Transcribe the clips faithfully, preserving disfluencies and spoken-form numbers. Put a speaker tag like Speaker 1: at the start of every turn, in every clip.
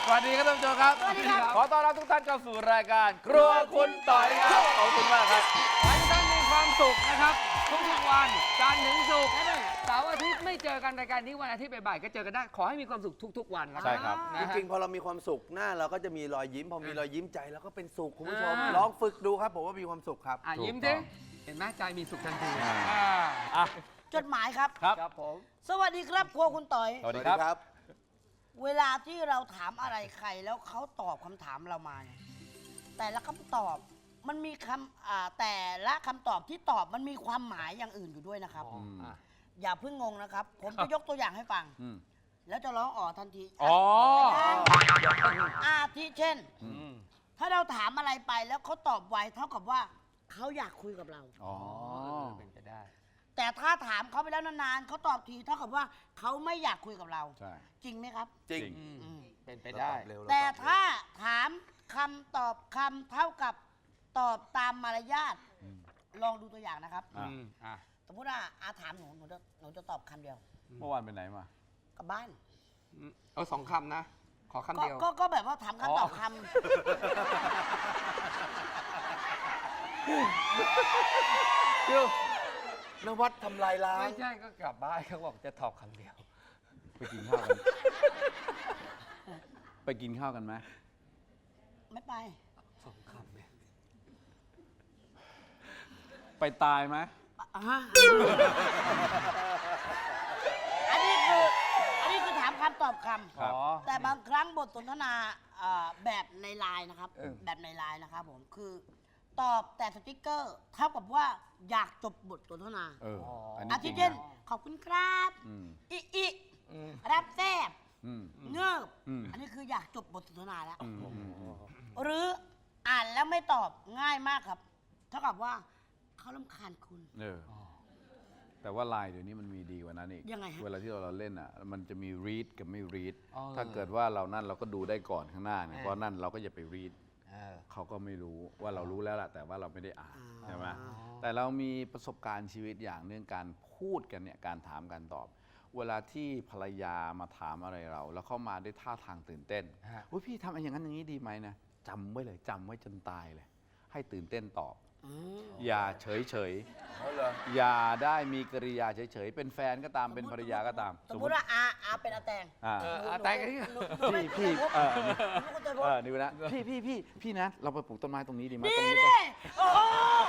Speaker 1: สวัสดีครับท่านผู้ชมครับ
Speaker 2: สวัสดีครับ
Speaker 1: ขอต้อนรับทุกท่านเข้าสู่รายการครัวคุณต่อยครับ ขอบคุณมากครับ
Speaker 3: ขอให้ท่านมีความสุขนะครับทุกๆวันจันทร์ถึงศุกร์เสาร์อาทิตย์ไม่เจอกันรายการนี้วันอาทิตย์บ่ายๆก็เจอกันได้ขอให้มีความสุขทุกๆวันนะ
Speaker 1: ใช่ครับ
Speaker 3: นะ
Speaker 4: จ
Speaker 3: ฮะ
Speaker 4: ริงๆพอเรามีความสุขหน้าเราก็จะมีรอยยิ้มพอมีรอยยิ้มใจเราก็เป็นสุขคุณผู้ชม
Speaker 3: อ่า
Speaker 4: ลองฝึกดูครับผมว่ามีความสุขครับ
Speaker 3: อ่ะ
Speaker 1: ถูก
Speaker 3: ยิ้ม
Speaker 1: ต้
Speaker 3: สิ
Speaker 1: อง
Speaker 3: เห็นไหมใจมีสุขทันที
Speaker 1: อ่า
Speaker 3: อ่า
Speaker 1: อ่ะ
Speaker 2: จดหมายครับ
Speaker 1: ครับ
Speaker 3: ครับผม
Speaker 2: สวัสดีครับครัวคุณต่อย
Speaker 1: สวัสดีครับ
Speaker 2: เวลาที่เราถามอะไรใครแล้วเขาตอบคำถามเรามาเนี่ยแต่ละคำตอบมันมีคำอ่าแต่ละคำตอบที่ตอบมันมีความหมายอย่างอื่นอยู่ด้วยนะครับ
Speaker 3: อ๋ออ่ะ
Speaker 2: อย่าเพิ่งงงนะครับ ผมจะยกตัวอย่างให้ฟัง
Speaker 1: อืม
Speaker 2: แล้วจะร้องอ๋อทันที
Speaker 1: อ๋อ
Speaker 2: อาทิเช่น
Speaker 1: อืม
Speaker 2: ถ้าเราถามอะไรไปแล้วเขาตอบไวเท่ากับว่าเขาอยากคุยกับเรา
Speaker 1: อ๋อ
Speaker 3: เป็นไปได้
Speaker 2: แต่ถ้าถามเขาไปแล้วนานๆเขาตอบทีเท่ากับว่าเขาไม่อยากคุยกับเรา
Speaker 1: ใช่
Speaker 2: จริงไหมครับ
Speaker 4: จริง
Speaker 3: อืม
Speaker 2: อืม
Speaker 3: เป็นไปได้
Speaker 4: เร็ว
Speaker 2: แต่ถ้าถามคำตอบคำเท่ากับตอบตามมารยาท
Speaker 1: อืม
Speaker 2: ลองดูตัวอย่างนะครับ
Speaker 1: อ่ะ
Speaker 3: อืมอ่ะ
Speaker 2: สมมติว่าอาถามหนูหนูจะหนูจะตอบคำเดียว
Speaker 1: เมื่อวานไปไหนมา
Speaker 2: กลับบ้าน
Speaker 3: อืมเอาสองคำนะ ขอคำ
Speaker 2: ก็
Speaker 3: เดียว
Speaker 2: ก็ก็แบบว่าถาม
Speaker 3: อ๋อ
Speaker 2: คำตอบค
Speaker 4: เดี๋ยว นวัดทำลายล้าง
Speaker 3: ไม่ใช่ก็กลับบ้านเขาบอกจะตอบคำเดียว
Speaker 1: ไปกินข้าวกัน ไปกินข้าวกันไหม
Speaker 2: ำไม่ไป
Speaker 3: สองคำเนี่ย
Speaker 1: ไปตายไหม
Speaker 2: อ่ะฮะอันนี้คืออันนี้คือถามคำตอบคำ
Speaker 1: ครับ
Speaker 3: อ๋อ
Speaker 2: แต่บางครั้งบทสนทนาเอ่อแบบในไลน์นะครับ
Speaker 3: เออ
Speaker 2: แบบในไลน์นะครับผมคือตอบแต่สติ๊กเกอร์เท่ากับว่าอยากจบบทสนทนา
Speaker 1: เออ อัน
Speaker 2: อา
Speaker 1: นี้จ
Speaker 2: ทิ
Speaker 1: ริง
Speaker 2: เช่น
Speaker 1: นะ
Speaker 2: ขอบคุณครับ
Speaker 1: อืม
Speaker 2: อิอิ
Speaker 3: อืม
Speaker 2: รับแซบ
Speaker 1: อืม
Speaker 2: เงิบ
Speaker 1: อืม
Speaker 2: อันนี้คืออยากจบบทสนทนาแล้ว
Speaker 1: อืมอืมอืม
Speaker 2: หรืออ่านแล้วไม่ตอบง่ายมากครับ เท่ากับว่าเขาลำคาญคุณ
Speaker 1: เออ แต่ว่าไลน์เดี๋ยวนี้มันมีดีกว่านั้นอีก
Speaker 2: ยังไงฮะ
Speaker 1: เวลาที่เราเล่นอ่ะ มันจะมี read กับไม่ read
Speaker 3: อ๋อ
Speaker 1: ถ้าเกิดว่าเรานั่นเราก็ดูได้ก่อนข้างหน้าเนี่ย
Speaker 3: เออ
Speaker 1: เพราะนั่นเราก็อย่าไป read
Speaker 3: เออ
Speaker 1: เขาก็ไม่รู้ว่าเรารู้แล้วล่ะแต่ว่าเราไม่ได้อ่าน
Speaker 2: อ่า
Speaker 1: ใช่ไหมแต่เรามีประสบการณ์ชีวิตอย่างเรื่องการพูดกันเนี่ยการถามการตอบ เวลาที่ภรรยามาถามอะไรเรา แล้วเข้ามาด้วยท่าทางตื่นเต้น
Speaker 3: ฮะ
Speaker 1: อุ้ยพี่ทำอย่างนั้นอย่างนี้ดีไหมนะจำไว้เลยจำไว้จนตายเลย ให้ตื่นเต้นตอบ
Speaker 2: อืม
Speaker 1: อย่าเฉยเฉย
Speaker 4: เอาเหรอ
Speaker 1: ๆอย่าได้มีกริยาเฉยเฉยๆเป็นแฟนก็ตามเป็นภรรยาก็ตาม
Speaker 2: สมมติว่าอาอาเป็นอาแตง
Speaker 1: อ่า
Speaker 3: เออ
Speaker 2: หนู
Speaker 3: อาแตงกัน
Speaker 2: ห
Speaker 3: นี่
Speaker 2: นูหนู
Speaker 1: พี่พี่เออ
Speaker 2: หนูก็จะพูด
Speaker 1: เออนี่นะพี่พี่พี่พี่นะ เราไปปลูกต้นไม้ตรงนี้ดีไหม
Speaker 2: นี่
Speaker 1: ตรงนี้
Speaker 2: นี่โอ้โห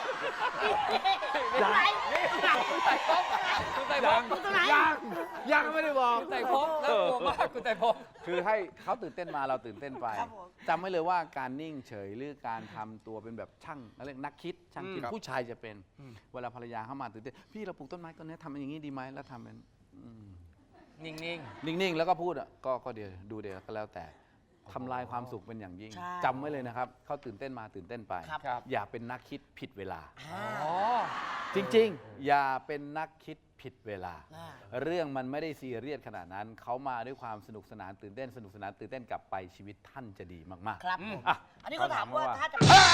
Speaker 1: ยัง
Speaker 2: ไหน
Speaker 3: คุณไต่พบคุณไต่พบ
Speaker 2: คุณตรงไหน
Speaker 1: ยังยังไม่ได้บอก
Speaker 3: คุณไต่พบน่ากลัวมากคุณไต่พบ
Speaker 1: คือให้เขาตื่นเต้นมาเราตื่นเต้นไป
Speaker 2: ครับผม
Speaker 1: จำไว้เลยว่าการนิ่งเฉยหรือการทำตัวเป็นแบบช่างอะไรนักคิดช่างคิด
Speaker 3: อืม
Speaker 1: ผู้ชายจะเป็น เวลาภรรยาเข้ามาตื่นเต้นพี่เราปลูกต้นไม้ต้นนี้ทำอย่างนี้ดีไหมแล้วทำเป็นอืม
Speaker 3: นิ่ง
Speaker 1: นิ่งๆแล้วก็พูดอ่ะก็ก็เดี๋ยวดูเดี๋ยวก็แล้วแต่ทำลายความสุขเป็นอย่างยิ่ง
Speaker 2: ใช่
Speaker 1: จำไว้เลยนะครับเขาตื่นเต้นมาตื่นเต้นไป
Speaker 2: ครับ
Speaker 3: ครับ
Speaker 1: อย่าเป็นนักคิดผิดเวลา
Speaker 2: อ่า
Speaker 3: ๆอ๋อ
Speaker 1: จริงๆ อย่าเป็นนักคิดผิดเวลา
Speaker 2: อ่า
Speaker 1: เรื่องมันไม่ได้ซีเรียสขนาดนั้น เขามาด้วยความสนุกสนานตื่นเต้นสนุกสนานตื่นเต้นกลับไปชีวิตท่านจะดีมาก
Speaker 2: ครับผม
Speaker 1: อ่ะ
Speaker 2: อันนี้เขาถามว่า
Speaker 1: เขาถามว่า
Speaker 2: ถ้าจะ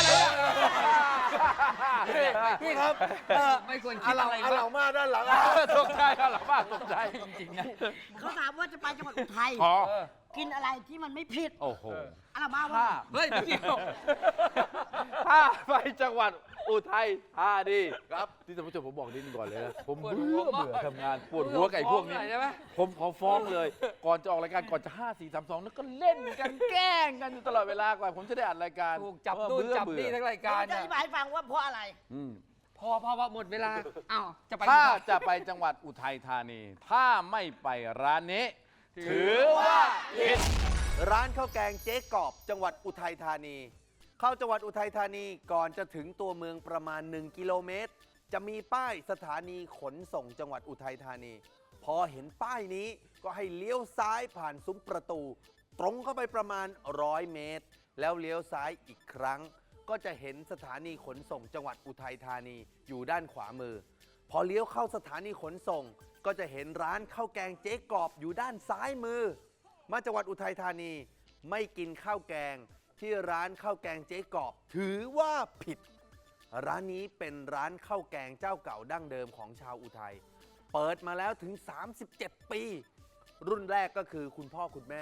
Speaker 1: ๆ
Speaker 4: พี่ครับ
Speaker 3: เออไม่ควรคิดอะไร
Speaker 4: อา
Speaker 3: มา
Speaker 4: เหล่าก มาด้านหลัง
Speaker 1: ตกใจแล้วหรอป้าตกใจ
Speaker 3: จริงๆนะ
Speaker 2: เขาถามว่าจะไปจังหวัดอุทัย
Speaker 1: อ๋อ
Speaker 3: เออ
Speaker 2: กินอะไรที่มันไม่ผิด
Speaker 1: โอ้โห
Speaker 2: อะไรมา
Speaker 1: ถ้า
Speaker 2: ว่า
Speaker 3: เฮ้ยเดี๋ยว
Speaker 1: ถ้าไปจังหวัดอุทัยธานีครับที่ท่านผู้ชมผมบอกนิดนึงก่อนเลยนะผม
Speaker 3: ปวด
Speaker 1: เบื่
Speaker 3: หัว
Speaker 1: อ
Speaker 3: มาก
Speaker 1: เบื่อทำงานปวดหัวกับไอ้พวกนี้
Speaker 3: ฟ้องหน่อยใช่ไหม
Speaker 1: ผมขอฟ้องเลย ก่อนจะออกรายการก่อนจะห้าสี่สามสองแล้วก็เล่นกันแกล้งกันอยู่ตลอดเวลาก่อนผมจะได้อัดรายการ
Speaker 3: ถูกจับ
Speaker 1: เออ
Speaker 3: นู่น
Speaker 1: เบื่อ
Speaker 3: จับ
Speaker 1: เบื่อ
Speaker 3: นี่ทั้งราย
Speaker 2: กา
Speaker 3: การ
Speaker 2: รจะ
Speaker 3: เนี่
Speaker 2: อย ธิบายให้ฟังว่าเพราะอะไร
Speaker 1: อืม
Speaker 3: พอพอพอหมดเวลาอ้าวจะไป
Speaker 1: ถ้าจะไปจังหวัดอุทัยธานี ถ้าไม่ไปร้านนี้ ถือว่าผิด
Speaker 4: ร้านข้าวแกงเจ๊กอบจังหวัดอุทัยธานี เข้าจังหวัดอุทัยธานีก่อนจะถึงตัวเมืองประมาณ หนึ่ง กิโลเมตร จะมีป้ายสถานีขนส่งจังหวัดอุทัยธานี พอเห็นป้ายนี้ก็ให้เลี้ยวซ้ายผ่านซุ้มประตู ตรงเข้าไปประมาณร้อยเมตร แล้วเลี้ยวซ้ายอีกครั้ง ก็จะเห็นสถานีขนส่งจังหวัดอุทัยธานีอยู่ด้านขวามือ พอเลี้ยวเข้าสถานีขนส่ง ก็จะเห็นร้านข้าวแกงเจ๊กอบอยู่ด้านซ้ายมือ มาจังหวัดอุทัยธานีไม่กินข้าวแกงที่ร้านข้าวแกงเจ๊กอบถือว่าผิด ร้านนี้เป็นร้านข้าวแกงเจ้าเก่าดั้งเดิมของชาวอุทัยเปิดมาแล้วถึงสามสิบเจ็ดปี รุ่นแรกก็คือคุณพ่อคุณแม่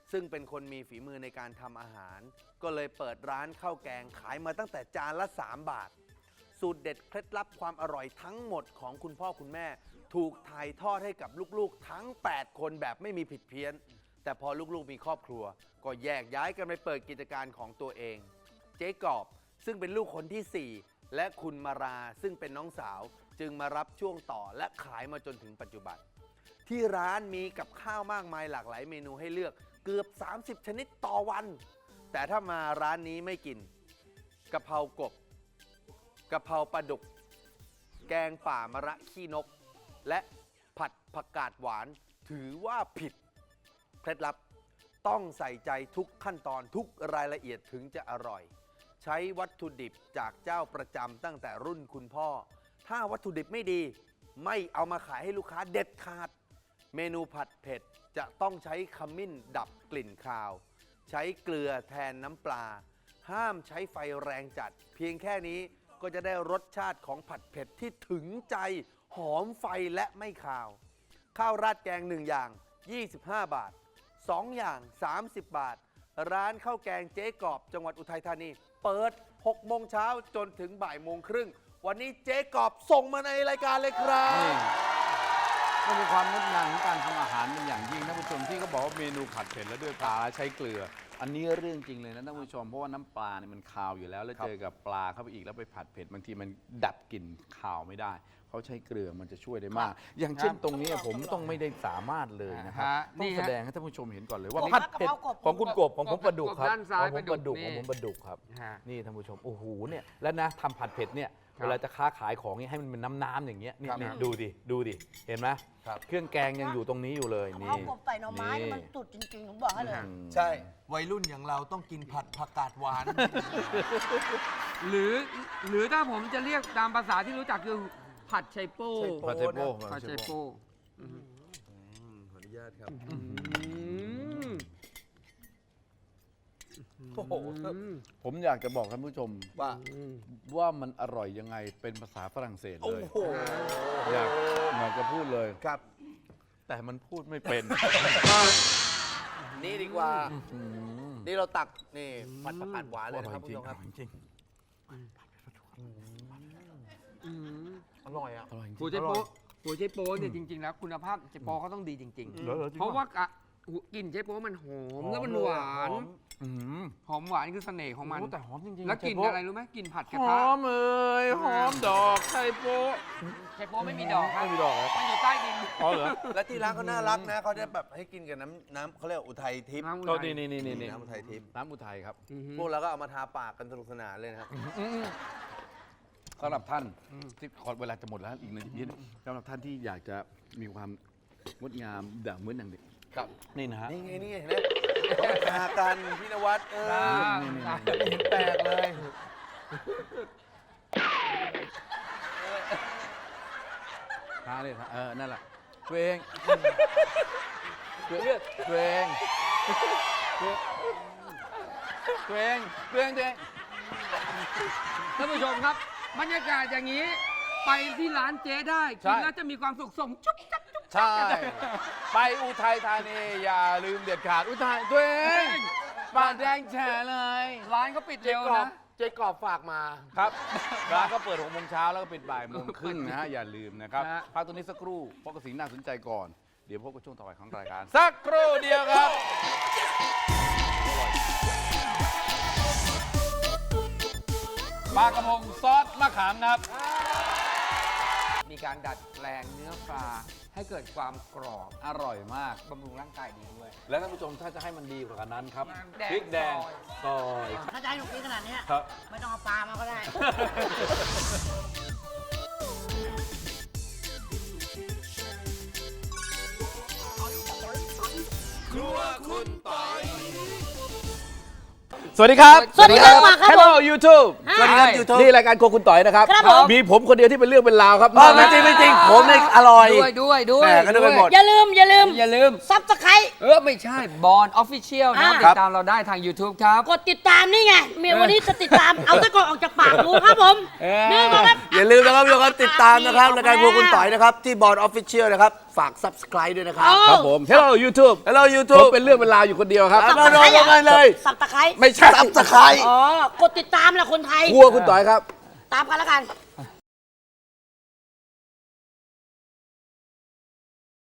Speaker 4: ซึ่งเป็นคนมีฝีมือในการทำอาหาร ก็เลยเปิดร้านข้าวแกงขายมาตั้งแต่จานละสามบาท สูตรเด็ดเคล็ดลับความอร่อยทั้งหมดของคุณพ่อคุณแม่ ถูกถ่ายทอดให้กับลูกๆทั้งแปดคนแบบไม่มีผิดเพี้ยน แต่พอลูกๆมีครอบครัว ก็แยกย้ายกันไปเปิดกิจการของตัวเอง เจ๊กอบซึ่งเป็นลูกคนที่สี่และคุณมาราซึ่งเป็นน้องสาวจึงมารับช่วงต่อและขายมาจนถึงปัจจุบัน ที่ร้านมีกับข้าวมากมายหลากหลายเมนูให้เลือกเกือบสามสิบชนิดต่อวัน แต่ถ้ามาร้านนี้ไม่กินกะเพรากบกะเพราปลาดุก แกงป่ามะระขี้นก และผัดผักกาดหวานถือว่าผิดเคล็ดลับต้องใส่ใจทุกขั้นตอนทุกรายละเอียดถึงจะอร่อย ใช้วัตถุดิบจากเจ้าประจำตั้งแต่รุ่นคุณพ่อ ถ้าวัตถุดิบไม่ดีไม่เอามาขายให้ลูกค้าเด็ดขาด เมนูผัดเผ็ดจะต้องใช้ขมิ้นดับกลิ่นคาว ใช้เกลือแทนน้ำปลา ห้ามใช้ไฟแรงจัด เพียงแค่นี้ก็จะได้รสชาติของผัดเผ็ดที่ถึงใจหอมไฟและไม่คาว ข้าวราดแกงหนึ่งอย่างยี่สิบห้าบาทสองอย่างสามสิบบาท ร้านข้าวแกงเจ๊กอบจังหวัดอุทัยธานี เปิดหกโมงเช้าจนถึงบ่ายโมงครึ่งวันนี้เจ๊กอบส่งมาในรายการเลยครับ
Speaker 1: นี่ก็มีความงดงามของการทำอาหารเป็นอย่างยิ่งท่านผู้ชมที่เขาบอกว่าเมนูผัดเผ็ดแล้วด้วยปลาใช้เกลือ อันนี้เรื่องจริงเลยนะท่านผู้ชมเพราะว่าน้ำปลาเนี่ยมันคาวอยู่แล้วแล้ว
Speaker 4: ครับ
Speaker 1: เจอกับปลาเข้าไปอีกแล้วไปผัดเผ็ดบางทีมันดับกลิ่นคาวไม่ได้เขาใช้เกลือมันจะช่วยได้มาก อย่างเช่นตรงนี้ผมต้องไม่ได้สามารถเลยนะครับ
Speaker 3: ฮะ
Speaker 1: ต้
Speaker 3: นี่
Speaker 1: อง
Speaker 3: ฮะ
Speaker 1: แสดงให้ท่านผู้ชมเห็นก่อนเลยว่า
Speaker 2: นี่
Speaker 1: ผัด
Speaker 2: กะ
Speaker 1: เผ็ด
Speaker 2: เพรากบ
Speaker 5: ของคุณกบของผมปลาดุกครับ
Speaker 3: ด้านซ้าย
Speaker 5: ของผมปลาดุก
Speaker 3: ป
Speaker 5: ข
Speaker 3: ลา
Speaker 5: อง
Speaker 3: ดุก
Speaker 5: ผมปลาดุกครับ
Speaker 3: ฮะ
Speaker 5: นี่ท่านผู้ชมโอ้โหเนี่ยแล้วนะทำผัดเผ็ดเนี่ย
Speaker 3: ครับ
Speaker 5: เวลาจะค้าขายของเนี่ยให้มันเป็นน้ำน้ำๆอย่างเงี้ยนี่
Speaker 4: ครับ
Speaker 5: นี่ดูดิดูดิเห็นไหม
Speaker 4: ครับ
Speaker 5: เครื่องแกงยังอยู่ตรงนี้อยู่เลย
Speaker 2: กะเพ
Speaker 5: นี่
Speaker 2: รากบใส่หน่อไม้นี่มันสุดจริงๆผมบอกให้เลย
Speaker 1: อืม
Speaker 4: ใช่ วัยรุ่นอย่างเราต้องกินผัดผักกาดหวาน
Speaker 3: หรือหรือถ้าผมจะเรียกตามภาษาที่รู้จักคือผัดไชโป้
Speaker 4: ไชโป้
Speaker 1: ผัดเทโป้
Speaker 3: ผัดไชโป้
Speaker 4: ขออนุญาตครับ
Speaker 3: อืม
Speaker 4: โอ้โห
Speaker 1: ผมอยากจะบอกท่านผู้ชม
Speaker 4: ว่า
Speaker 1: ว่ามันอร่อยยังไงเป็นภาษาฝรั่งเศส
Speaker 4: โอ้
Speaker 1: เลย
Speaker 4: โห
Speaker 1: อยากอยากจะพูดเลย
Speaker 4: ครับ
Speaker 1: แต่มันพูดไม่เป็น
Speaker 4: นี่ดีกว่า
Speaker 1: อืม
Speaker 4: นี่เราตักนี่ผัดผักกาดหวานเลย
Speaker 1: อ
Speaker 4: นะ
Speaker 1: ร่อ
Speaker 4: ครับ
Speaker 1: ย
Speaker 4: คุณ
Speaker 1: จริ
Speaker 4: ผู้
Speaker 1: ง
Speaker 4: ชมครับ
Speaker 1: อร่อยจริง
Speaker 3: อืม
Speaker 4: อร่อยอ่ะ
Speaker 1: อร่อยจริง
Speaker 3: หัวไชโป้หัวไชโป้เนี่ยจริงๆแล้วคุณภาพไชโป้เขาต้องดีจริง
Speaker 1: เหรอเหรอจริง
Speaker 3: ๆ เพราะว่ากะกลิ่นไชโป้มันหอมแล้วมันหวาน
Speaker 1: อืม
Speaker 3: หอมหวานคือเสน่ห์ของมัน
Speaker 1: โอ้แต่หอมจริงๆ
Speaker 3: แล้วกลิ่น
Speaker 1: ไชโป้
Speaker 3: อะไรรู้ไหมกลิ่นผัดกระ
Speaker 1: ห
Speaker 3: ทะ
Speaker 1: อมเอ้ยหอมดอกไชโป้
Speaker 3: ไชโป้ไม่มีดอกครับ
Speaker 1: ไม่มีดอกเหรอ
Speaker 3: มันอยู่ใต้ดิน
Speaker 1: อ๋อเหรอ
Speaker 4: และที่ร้านเขาน่ารักนะเขาจะแบบให้กินกับน้ำน้ำเขาเรียกว่าอุทัยทิพย์
Speaker 3: น้ำอุ
Speaker 1: ก็
Speaker 3: ทัย
Speaker 1: นี่นี่นี่นี่
Speaker 4: น้ำอุทัยทิพย์
Speaker 1: น้ำอุทัยครับ
Speaker 3: อือฮึ
Speaker 4: พวกเราก็เอามาทาปากกันสนุกสนานเลยนะครับ
Speaker 1: สำหรับท่านที่ขอเวลาจะหมดแล้วอีกนาทีเดียวสำหรับท่านที่อยากจะมีความงดงามด่างเหมือนอย่างเด็ก
Speaker 4: ครับ
Speaker 1: นี่นะฮะ
Speaker 4: นี่ไงนี่ไงเห็นไหมเขาทากันพี่นวัดเออ
Speaker 1: นี่นี่
Speaker 4: ไม่เห็นแปลกเลย
Speaker 1: ทาเลยทาเออนั่นแหละตัวเองตัวเองตัวเองตัวเองตัวเองตัวเอง
Speaker 3: ท่านผู้ชมครับ บรรยากาศอย่างนี้ ไปที่ร้านเจ๊ได้กินแล้วจะมีความสุขสมจุ๊บจับจุ๊บ
Speaker 1: ใช่ ไปอุทัยธานีอย่าลืมเด็ดขาดอุทัยตัวเองปากแดงแฉะเลย
Speaker 3: ร้านเขาปิดเร็วนะ
Speaker 4: เจ๊กอบฝากมา
Speaker 1: ครับร้านก็เปิดหกโมงเช้าแล้วก็ปิดบ่ายโมงครึ่งนะฮะ อย่าลืมนะครับ
Speaker 3: ฮะ
Speaker 1: พักตรงนี้สักครู่เพราะกระสิ่งน่าสนใจก่อน เดี๋ยวพบกับช่วงต่อไปของรายการ สักครู่เดียวครับปลากระพงซอสมะขามครับ
Speaker 3: มีการดัดแปลงเนื้อปลาให้เกิดความกรอบ
Speaker 1: อร่อยมาก
Speaker 3: บำรุงร่างกายดีด้วย
Speaker 1: และท่านผู้ชมถ้าจะให้มันดีกว่านั้นครับ
Speaker 3: แดง
Speaker 1: พริกแดง
Speaker 3: ซอย
Speaker 1: ซอย
Speaker 2: ถ้าจะให้หนูกินขนาดเนี้ย
Speaker 1: ครับ
Speaker 2: ไม่ต้องเอาปลามาก็ได้
Speaker 4: ครัวคุณปอย
Speaker 5: สวัสดีครับ
Speaker 2: สวัสดีครับมาครับผม
Speaker 5: Hello YouTube
Speaker 4: สวัสดีครับ YouTube
Speaker 5: นี่รายการโครัวคุณต่อยนะครับ
Speaker 2: ครับผม
Speaker 5: มีผมคนเดียวที่เป็นเรื่องเป็นราวครับ
Speaker 4: เออไม่จริงไม่จริงผมเนี่ยอร่อย
Speaker 3: ด้วยด้วยด้วย
Speaker 4: แหม่ก็นึกไปหมด
Speaker 2: อย่าลืมอย่าลืม
Speaker 3: อย่าลืม
Speaker 2: ซับสไครต์
Speaker 3: เออ ไม่ใช่บอลออฟฟิเชียลนะครับ
Speaker 2: อ่า
Speaker 3: ติดตามเราได้ทาง YouTube ครับ
Speaker 2: กดติดตามนี่ไงเมียวันนี้จะติดตาม เอาตะกอนออกจากปากดูครับผม
Speaker 3: เออ
Speaker 2: นี่นะครับ
Speaker 4: อย่าลืมนะครับทุกคนติดตามนะครับรายการพวกคุณต่อยนะครับ ที่บอร์ดออฟฟิเชียลนะครับ ฝาก Subscribe ด้วยนะครับ
Speaker 5: ครับผม Hello YouTube
Speaker 4: Hello
Speaker 5: ผม
Speaker 4: YouTube
Speaker 5: เป็นเรื่องเป็นราวอยู่คนเดียวครับ
Speaker 4: เอามาลงกันเลย
Speaker 2: สับตะไคร้
Speaker 5: ไม่ใช่
Speaker 4: Subscribe
Speaker 2: อ๋อกดติดตามแหละคนไทย
Speaker 5: ครัวคุณต่อยครับ
Speaker 2: ตามกันแล้วกัน